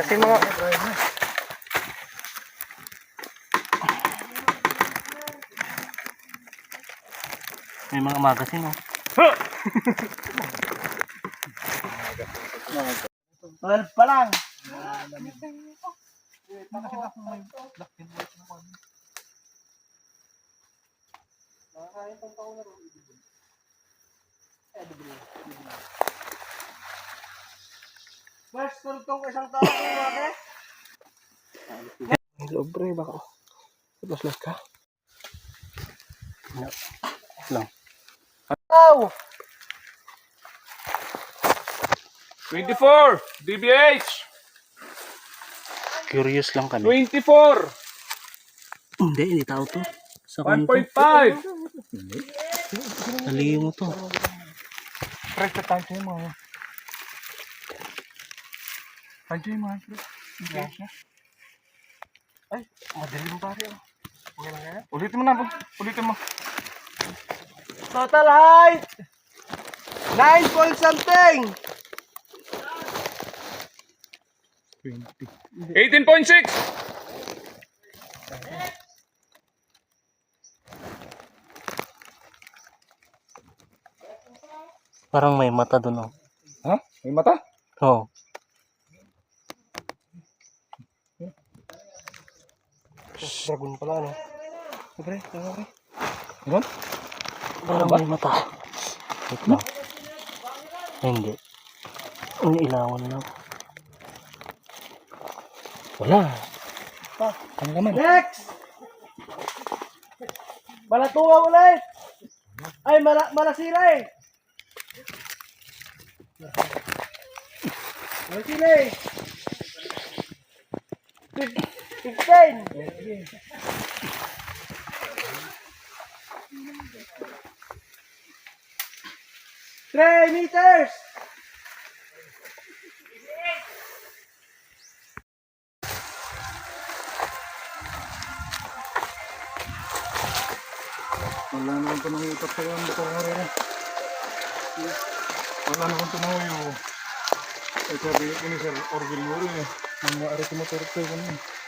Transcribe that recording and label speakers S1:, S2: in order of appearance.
S1: Kasi mga... May mga magasin, oh.
S2: 12 pa lang. Mas, tultong isang taon ko mga
S1: Hello, bro, baka las ka. Lang.
S2: Ow!
S3: 24 DBH.
S1: Curious lang kami.
S3: 24
S1: Hindi tao to. Sa kanto.
S3: 1.5.
S1: Naliyo mo to.
S2: Correct na tayo sa'yo mga. Andiyo yung mga. Ay, madaling pare. Okay lang yan.
S3: Ulitin mo na, ulitin mo.
S2: Total height! 9 point something!
S3: 18.6.
S1: Parang may mata dun, oh.
S3: Ha? May mata?
S1: Oh.
S2: Dragon pala, ano? Pre, pre.
S3: Ano?
S1: Parang may mata. Wait lang. Ay, hindi. Ang ilawan lang. Wala. Ang laman.
S2: Next! Malatunga ulit! Ay, malasira eh! Malasira eh! 15! 3 meters!
S3: Wala naman ito nang utak sa mga motor nga rin. Wala naman ito nang uyo. Ay sabi ini sir, Orville mo rin eh. Ang maari ito motor ito.